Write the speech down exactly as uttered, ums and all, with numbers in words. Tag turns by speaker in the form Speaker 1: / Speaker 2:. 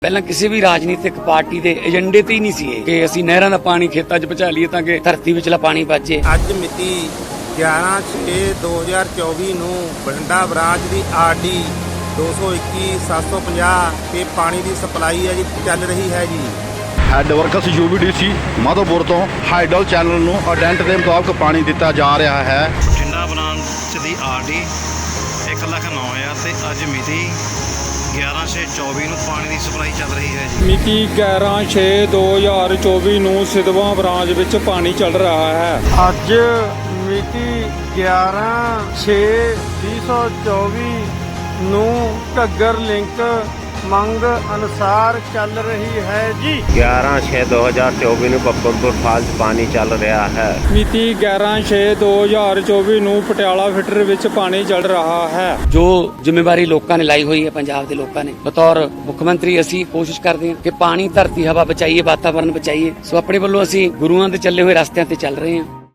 Speaker 1: ਪਹਿਲਾਂ ਕਿਸੇ ਵੀ ਰਾਜਨੀਤਿਕ ਪਾਰਟੀ ਦੇ ਏਜੰਡੇ ਤੇ ਹੀ ਨਹੀਂ ਸੀ ਇਹ ਕਿ ਅਸੀਂ ਨਹਿਰਾਂ ਦਾ ਪਾਣੀ ਖੇਤਾਂ 'ਚ ਪਹੁੰਚਾ ਲਈਏ ਤਾਂ ਕਿ ਧਰਤੀ ਵਿਚਲਾ ਪਾਣੀ ਬਚੇ।
Speaker 2: ਅੱਜ ਮਿਤੀ ਗਿਆਰਾਂ ਛੇ ਦੋ ਹਜ਼ਾਰ ਚੌਵੀ ਨੂੰ ਬਠਿੰਡਾ ਬ੍ਰਾਂਚ ਦੀ ਆਰ ਡੀ ਦੋ ਸੌ ਇੱਕੀ ਸੱਤ ਸੌ ਪੰਜਾਹ ਤੇ ਪਾਣੀ ਦੀ ਸਪਲਾਈ ਹੈ ਜੀ ਚੱਲ ਰਹੀ ਹੈ ਜੀ।
Speaker 3: Head works U V D C Madhopur ਤੋਂ ਹਾਈਡਲ ਚੈਨਲ ਨੂੰ ਅਡੈਂਟ ਦੇ ਮੁਤਾਬਕ ਪਾਣੀ ਦਿੱਤਾ ਜਾ ਰਿਹਾ ਹੈ।
Speaker 4: ਬਠਿੰਡਾ ਬ੍ਰਾਂਚ ਦੀ ਆਰ ਡੀ ਇੱਕ ਲੱਖ ਨੌ ਹਜ਼ਾਰ ਤੇ ਅੱਜ ਮਿਤੀ ਗਿਆਰਾਂ ਛੇ ਚੌਵੀ ਨੂੰ ਪਾਣੀ ਦੀ ਸਪਲਾਈ ਚੱਲ ਰਹੀ ਹੈ ਜੀ।
Speaker 5: ਮਿਤੀ ਗਿਆਰਾਂ ਛੇ ਦੋ ਹਜ਼ਾਰ ਚੌਵੀ ਨੂੰ ਸਿਧਵਾਂ ਬ੍ਰਾਂਚ ਵਿੱਚ ਪਾਣੀ ਚੱਲ ਰਿਹਾ ਹੈ।
Speaker 6: ਅੱਜ ਮਿਤੀ ਗਿਆਰਾਂ ਛੇ ਵੀਹ ਸੌ ਚੌਵੀ ਨੂੰ ਘੱਗਰ ਲਿੰਕ ਮੰਗ ਅਨੁਸਾਰ ਚੱਲ ਰਹੀ ਹੈ ਜੀ।
Speaker 7: ਗਿਆਰਾਂ ਛੇ ਦੋ ਹਜ਼ਾਰ ਚੌਵੀ ਨੂੰ ਬੱਬਰਪੁਰ ਫਾਲਸ ਪਾਣੀ ਚੱਲ ਰਿਹਾ ਹੈ।
Speaker 5: ਮਿਤੀ ਗਿਆਰਾਂ ਛੇ ਦੋ ਹਜ਼ਾਰ ਚੌਵੀ ਨੂੰ ਪਟਿਆਲਾ ਫਿਲਟਰ ਵਿੱਚ ਪਾਣੀ ਚੱਲ ਰਿਹਾ ਹੈ।
Speaker 1: ਜੋ ਜ਼ਿੰਮੇਵਾਰੀ ਲੋਕਾਂ ਨੇ ਲਾਈ ਹੋਈ ਹੈ, ਪੰਜਾਬ ਦੇ ਲੋਕਾਂ ਨੇ, ਬਤੌਰ ਮੁੱਖ ਮੰਤਰੀ ਅਸੀਂ ਕੋਸ਼ਿਸ਼ ਕਰਦੇ ਹਾਂ ਕਿ ਪਾਣੀ, ਧਰਤੀ, ਹਵਾ ਬਚਾਈਏ, ਵਾਤਾਵਰਨ ਬਚਾਈਏ। ਸੋ ਆਪਣੇ ਵੱਲੋਂ ਅਸੀਂ ਗੁਰੂਆਂ ਦੇ ਚੱਲੇ ਹੋਏ ਰਸਤਿਆਂ ਤੇ ਚੱਲ ਰਹੇ ਹਾਂ।